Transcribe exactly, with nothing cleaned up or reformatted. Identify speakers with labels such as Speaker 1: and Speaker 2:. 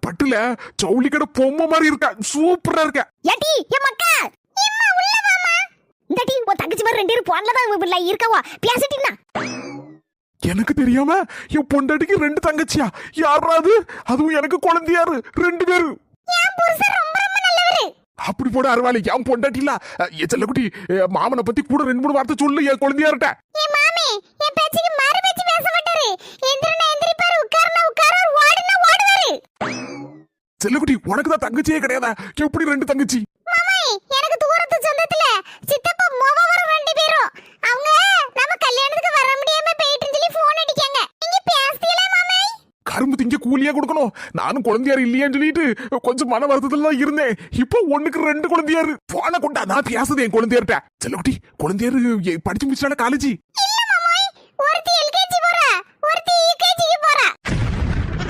Speaker 1: பட்டுல ஜவுளி கடை பொம்மை மாதிரி இருக்கா, சூப்பரா இருக்க.
Speaker 2: ஏடி என் மக்கா எம்மா உள்ள வாமா. இந்த டீ உன் தங்கச்சி மாதிரி ரெண்டு பேரும் போன்ல தான் இருக்கவா பேசிட்டீனா?
Speaker 1: எனக்கு தெரியாம என் பொண்டாட்டிக்கு ரெண்டு தங்கச்சியா? யாராவது அதுவும் எனக்கு குழந்தையாரு ரெண்டு பேரு.
Speaker 2: என் புருஷன் ரொம்ப ரொம்ப நல்லவரு.
Speaker 1: அப்படி போட அருவாளி, என் பொண்டாட்டி இல்ல. என் செல்லக்குட்டி மாமனை பத்தி கூட ரெண்டு மூணு வார்த்தை சொல்லு என் குழந்தையார்ட்ட.
Speaker 2: என் மாமே என் பேச்சுக்கு மறு பேச்சு பேச மாட்டாரு. எந்திரனா எந்திரிப்பாரு, உட்கார்னா உட்காரு, ஓடுனா ஓடுவாரு.
Speaker 1: செல்லக்குட்டி உனக்கு தான் தங்கச்சியே கிடையாதா? எப்படி ரெண்டு தங்கச்சி?
Speaker 2: மாமே எனக்கு தூரத்து சொந்தத்துல சித்தப்பா மோவவரும் ரெண்டு பேரும். அவங்க நம்ம கல்யாணத்துக்கு வர முடியாம போயிட்டு சொல்லி போன் அடிக்காங்க. நீங்க பேசுறீங்களா மாமே?
Speaker 1: கரும்பு திங்க கூலியா கொடுக்கணும். நானும் குழந்தையாரு இல்லையான்னு சொல்லிட்டு கொஞ்சம் மன வருத்தத்துல தான் இருந்தேன். இப்போ ஒண்ணுக்கு ரெண்டு குழந்தையாரு. போன கொண்டா நான் பேசுது என் குழந்தையார்ட்ட. செல்லக்குட்டி குழந்தையாரு படிச்சு முடிச்சால காலேஜ்?
Speaker 2: இல்ல